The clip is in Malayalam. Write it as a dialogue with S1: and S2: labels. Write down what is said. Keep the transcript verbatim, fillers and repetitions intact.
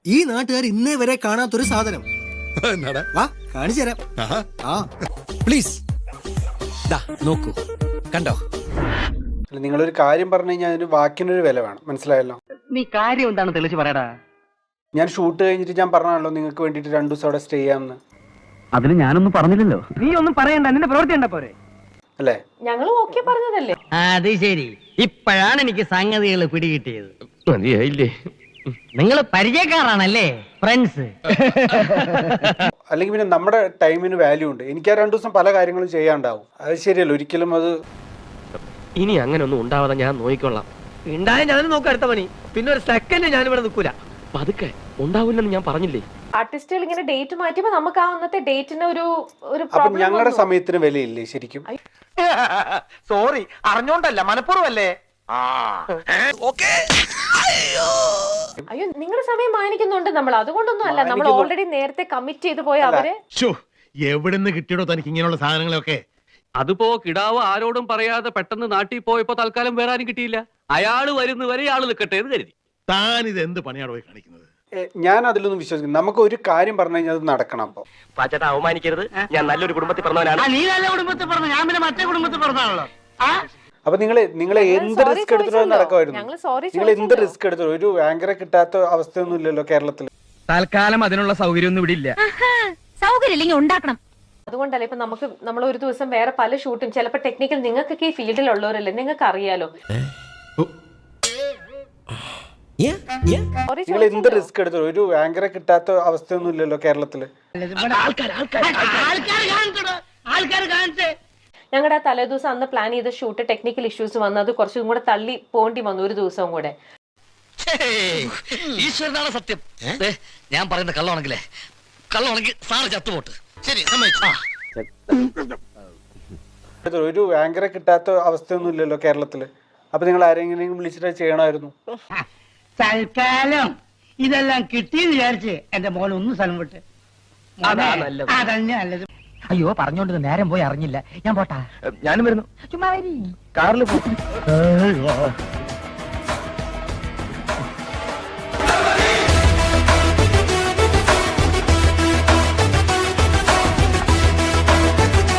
S1: ഈ നാട്ടുകാർ ഇന്നേ വരെ കാണാത്തൊരു സാധനം. വാ കാണിച്ചു തരാം. ആ പ്ലീസ് നോക്കൂ, കണ്ടോ?
S2: നിങ്ങളൊരു കാര്യം പറഞ്ഞു കഴിഞ്ഞാൽ അതിന് വാക്കിനൊരു വില വേണം, മനസ്സിലായല്ലോ?
S3: നീ കാര്യം എന്താണ് തെളിച്ച് പറയടാ.
S2: ഞാൻ ഷൂട്ട് കഴിഞ്ഞിട്ട് ഞാൻ പറഞ്ഞാണല്ലോ നിങ്ങൾക്ക് വേണ്ടിട്ട് രണ്ടു ദിവസം അവിടെ സ്റ്റേ ചെയ്യാമെന്ന്.
S3: അതിന് ഞാനൊന്നും പറഞ്ഞില്ലല്ലോ. നീ ഒന്നും പറയണ്ട, നിന്റെ പ്രവൃത്തി ഉണ്ട പോരെ
S2: അല്ലേ?
S4: ഞങ്ങൾ ഓക്കെ പറഞ്ഞതല്ലേ.
S5: അത് ശരി, ഇപ്പോഴാണ് എനിക്ക് സംഗതികൾ പിടികിട്ടിയത്. മതിയായില്ലേ? നിങ്ങൾ പരിചയക്കാരാണല്ലേ, ഫ്രണ്ട്സ്?
S2: അല്ലെങ്കിൽ പിന്നെ നമ്മുടെ ടൈമിന് വാല്യൂ ഉണ്ട്. എനിക്ക് ആ രണ്ടു ദിവസം പല കാര്യങ്ങളും ചെയ്യാണ്ടാവും. അത് ശരിയല്ലോ, ഒരിക്കലും അത്
S6: ഇനി അങ്ങനെ ഒന്നും ഉണ്ടാവാതെ ഞാൻ നോക്കിക്കൊള്ളാം. ഉണ്ടായ ഞാൻ നോക്കാം അടുത്ത പണി. പിന്നെ ഒരു സെക്കൻഡ് ഞാൻ ഇവിടെ നിൽക്കൂല. പതുക്കെ ഉണ്ടാവില്ലെന്ന് ഞാൻ പറഞ്ഞില്ലേ.
S4: ആർട്ടിസ്റ്റുകൾ ഇങ്ങനെ ഡേറ്റ് മാറ്റിയപ്പോ നമുക്ക് ആ അന്നത്തെ ഡേറ്റിന് ഒരു ഒരു
S2: അപ്പൊ ഞങ്ങളുടെ സമയത്തിന് വിലയില്ലേ ശരിക്കും?
S6: സോറി, അറിഞ്ഞോണ്ടല്ല, മനഃപൂർവ്വല്ലേ.
S4: അയ്യോ, നിങ്ങളുടെ സമയം മാനിക്കുന്നുണ്ട് നമ്മൾ, അതുകൊണ്ടൊന്നും അല്ല. നമ്മൾ ഓൾറെഡി നേരത്തെ കമ്മിറ്റ് ചെയ്ത് പോയ അവര്.
S7: എവിടെന്ന് കിട്ടിയോ തനിക്ക് ഇങ്ങനെയുള്ള സാധനങ്ങളൊക്കെ?
S6: അതിപ്പോ കിടാവ് ആരോടും പറയാതെ പെട്ടെന്ന് നാട്ടിൽ പോയപ്പോ തൽക്കാലം വേറെ ആരും കിട്ടിയില്ല. അയാള് വരുന്നവരെ ഇയാള് നിൽക്കട്ടെ എന്ന് കരുതി.
S7: താൻ ഇത് എന്ത് പണിയാണ് പോയി കാണിക്കുന്നത്?
S2: ഞാൻ അതിലൊന്നും വിശ്വസിക്കുന്നു. നമുക്ക് ഒരു കാര്യം പറഞ്ഞു കഴിഞ്ഞാൽ അത് നടക്കണം. അപ്പൊ
S6: പാച്ചേട്ടാ, അവമാനിക്കരുത്. ഞാൻ നല്ലൊരു കുടുംബത്തിൽ പറഞ്ഞവനാണ്.
S3: നീ നല്ല കുടുംബത്തിൽ പറഞ്ഞു, ഞാൻ പിന്നെ മറ്റേ കുടുംബത്തിൽ പറഞ്ഞാണല്ലോ.
S2: അപ്പൊ നിങ്ങള് നിങ്ങളെ എന്ത് റിസ്ക് എടുത്തിട്ടോ നടക്കുമായിരുന്നു. നിങ്ങൾ എന്ത് റിസ്ക് എടുത്തോ? ഒരു ആങ്കറെ കിട്ടാത്ത അവസ്ഥയൊന്നും ഇല്ലല്ലോ കേരളത്തിൽ.
S8: തൽക്കാലം അതിനുള്ള സൗകര്യം ഒന്നും ഇവിടെ ഇല്ല.
S9: സൗകര്യം ഇല്ലെങ്കിൽ ഉണ്ടാക്കണം.
S4: അതുകൊണ്ടല്ലേ ഇപ്പൊ നമുക്ക് നമ്മൾ ഒരു ദിവസം വേറെ പല ഷൂട്ടും, ചിലപ്പോ ടെക്നിക്കൽ, നിങ്ങൾക്കൊക്കെ ഈ ഫീൽഡിലുള്ളവരല്ലേ, നിങ്ങൾക്ക് അറിയാലോ.
S2: നിങ്ങൾ എന്ത് റിസ്ക് എടുത്തോ? ഒരു ആങ്കറെ കിട്ടാത്ത അവസ്ഥയൊന്നും ഇല്ലല്ലോ കേരളത്തില്.
S4: ഞങ്ങളുടെ ആ തലേദിവസം അന്ന് പ്ലാൻ ചെയ്ത ഷൂട്ട് ടെക്നിക്കൽ ഇഷ്യൂസ് വന്നു, അത് കുറച്ചും കൂടെ തള്ളി പോണ്ടി വന്നു ഒരു ദിവസം കൂടെ.
S5: ഈശ്വരനാണ് സത്യം. ഞാൻ പറയുന്ന കള്ളമാണെങ്കിലേ, കള്ളമാണെങ്കിൽ സാറ് ചത്തുപോട്ട്. ശരി,
S2: ഒരു ആങ്കറെ കിട്ടാത്ത അവസ്ഥയൊന്നും ഇല്ലല്ലോ കേരളത്തില്. അപ്പൊ നിങ്ങൾ ആരെങ്കിലും വിളിച്ചിട്ട് ചെയ്യണമായിരുന്നു.
S3: തൽക്കാലം ഇതെല്ലാം കിട്ടിയെന്ന് വിചാരിച്ച് എന്റെ മോൻ ഒന്ന് സ്ഥലം വിട്ട്. അതന്നെ നല്ലത്.
S5: അയ്യോ, പറഞ്ഞോണ്ട് നേരം പോയി അറിഞ്ഞില്ല. ഞാൻ പോട്ടാ.
S6: ഞാനും വരുന്നു.
S5: ചുമ്മാ
S6: കാറിൽ പോ.